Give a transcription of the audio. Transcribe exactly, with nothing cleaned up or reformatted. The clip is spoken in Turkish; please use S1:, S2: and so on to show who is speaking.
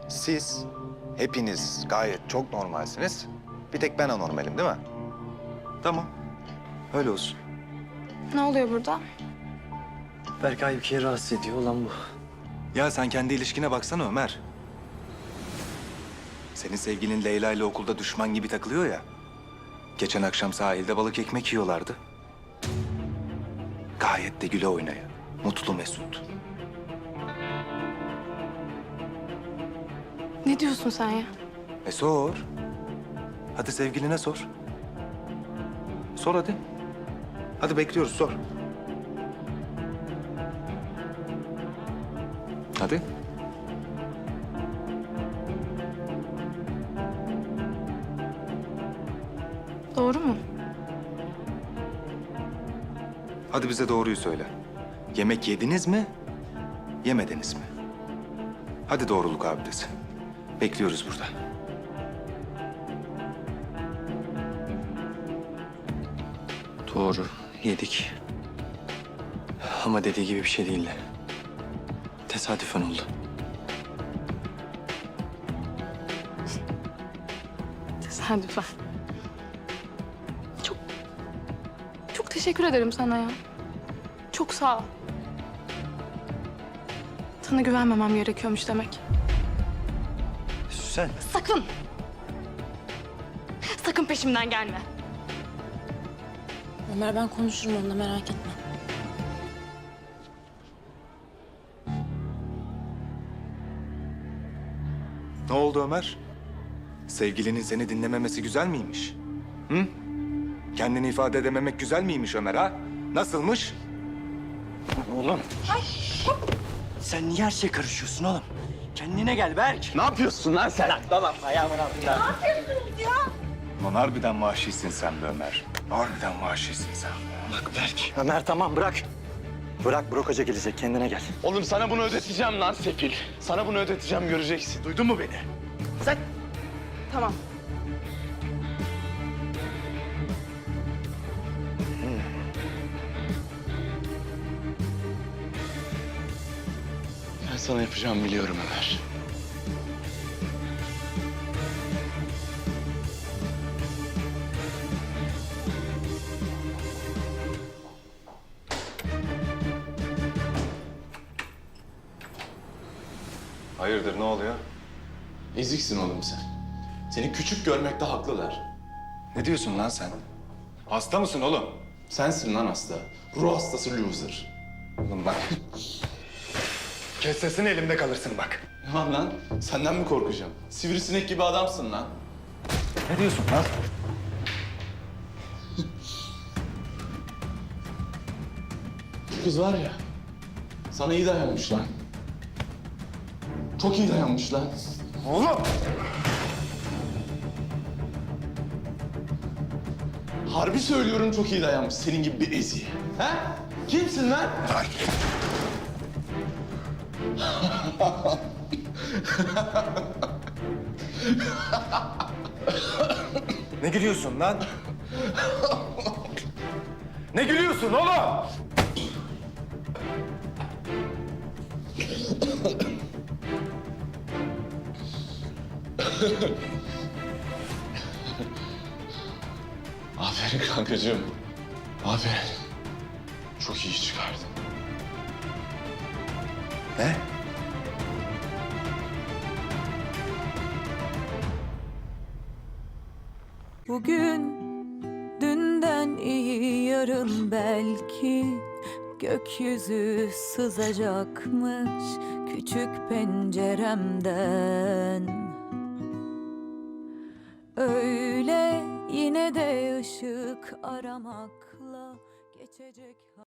S1: Siz hepiniz gayet çok normalsiniz. Bir tek ben anormalim değil mi? Tamam. Öyle olsun.
S2: Ne oluyor burada?
S3: Berkay bir kere rahatsız ediyor olan bu.
S1: Ya sen kendi ilişkine baksana Ömer. Senin sevgilin Leyla ile okulda düşman gibi takılıyor ya. Geçen akşam sahilde balık ekmek yiyorlardı. Gayet de güle oynaya. Mutlu mesut.
S2: Ne diyorsun sen ya?
S1: E sor. Hadi sevgiline sor. Sor hadi. Hadi bekliyoruz sor. Hadi.
S2: Doğru mu?
S1: Hadi bize doğruyu söyle. Yemek yediniz mi? Yemediniz mi? Hadi doğruluk abidesi. Bekliyoruz burada.
S3: Doğru, yedik. Ama dediği gibi bir şey değildi. Tesadüfen oldu.
S2: Tesadüfen. Çok... Çok teşekkür ederim sana ya. Çok sağ ol. Sana güvenmemem gerekiyormuş demek.
S3: Sen
S2: Sakın! Sakın peşimden gelme.
S4: Ömer ben konuşurum onunla merak etme.
S1: Ne oldu Ömer? Sevgilinin seni dinlememesi güzel miymiş? Hı? Kendini ifade edememek güzel miymiş Ömer ha? Nasılmış?
S3: oğlum. Sen niye her şeye karışıyorsun oğlum? Kendine gel Berk. Ne yapıyorsun lan sen? Lan tamam ayağımın altında.
S1: Lan harbiden vahşisin sen be Ömer. Harbiden vahşisin sen.
S3: Bak Berk. Ömer tamam bırak. Bırak Burak Hoca gelecek kendine gel.
S5: Oğlum sana bunu ödeteceğim lan sefil. Sana bunu ödeteceğim göreceksin. Duydun mu beni?
S3: Sen
S2: Tamam.
S5: Ben sana yapacağımı biliyorum Ömer.
S1: Hayırdır ne oluyor?
S5: Eziksin oğlum sen. Seni küçük görmekte haklılar.
S1: Ne diyorsun lan sen? Hasta mısın oğlum?
S5: Sensin lan hasta. Ruh hastası loser.
S1: Oğlum bak. Kes sesini elimde kalırsın bak.
S5: Ne var lan? Senden mi korkacağım? Sivrisinek gibi adamsın lan.
S1: Ne diyorsun lan?
S5: Şu kız var ya, sana iyi dayanmış lan. Çok iyi dayanmış lan.
S1: Oğlum!
S5: Harbi söylüyorum çok iyi dayanmış senin gibi bir eziğe. He? Kimsin lan?
S1: Ne gülüyorsun lan? Ne gülüyorsun oğlum?
S5: Aferin kankacığım. Aferin. Çok iyi çıkardın.
S1: Ne?
S6: Bugün dünden iyi yarın belki gökyüzü sızacakmış küçük penceremden. Öyle yine de ışık aramakla geçecek.